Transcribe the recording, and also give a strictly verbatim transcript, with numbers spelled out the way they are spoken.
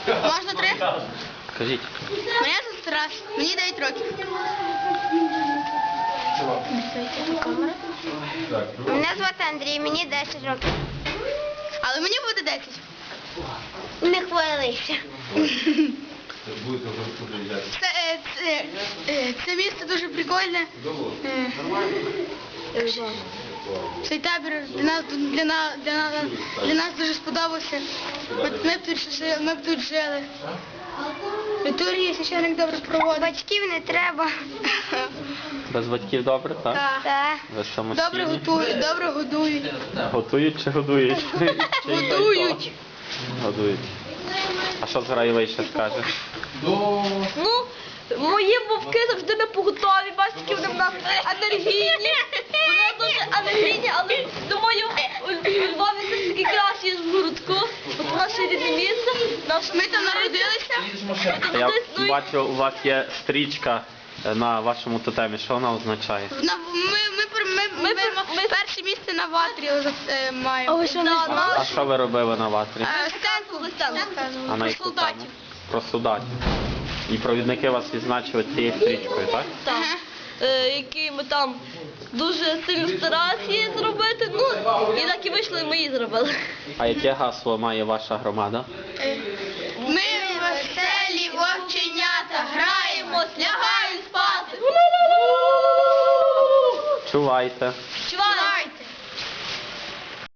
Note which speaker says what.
Speaker 1: Можна три?
Speaker 2: Кажіть.
Speaker 1: Мене звуть Тарас, мені дев'ять років.
Speaker 3: Мене звати Андрій, мені десять років.
Speaker 1: Але мені буде десять.
Speaker 3: Не хвилися.
Speaker 1: Це, е, це, е, це місце дуже прикольне. Е, Цей табір для нас, для нас, для нас, для нас дуже сподобався. Ми, ми, б тут, жили- ми б тут жили. Літургії священник добре проводить.
Speaker 3: Батьків не треба.
Speaker 2: Без батьків добре, так?
Speaker 1: Так.
Speaker 3: Так.
Speaker 2: Ви самостійні?
Speaker 1: Добре готують, добре годують.
Speaker 2: Готують чи годують? Чи й то, й то?
Speaker 1: Годують.
Speaker 2: Годують. А що Зграєвий ще скаже?
Speaker 4: Ну, мої вовки завжди не поготові, бачите, вони в нас енергійні. Вони дуже енергійні, але думаю, у Львові все ж таки краще, ніж в городку. От наше рідне місце. Наш...
Speaker 1: Ми там народилися.
Speaker 2: Я бачу, у вас є стрічка на вашому тотемі. Що вона означає?
Speaker 1: На- Ми, ми, пер- ми, ми, ми, перше місце на ватрі е, маємо.
Speaker 4: ви що, не
Speaker 2: А,
Speaker 4: знали?
Speaker 2: а що ви робили на ватрі?
Speaker 1: Е, Стенку
Speaker 2: А
Speaker 1: розказували.
Speaker 2: на
Speaker 1: Про
Speaker 2: яку
Speaker 1: солдатів.
Speaker 2: тему? Про солдатів. І провідники вас відзначили цією стрічкою, так?
Speaker 4: Так. Е, які ми там дуже сильно старалися її зробити. Ну, і так і вийшло, і ми її зробили.
Speaker 2: А яке гасло має ваша громада?
Speaker 1: Ми веселі вовченята, граємо, лягаємо спати.
Speaker 2: Чувайте.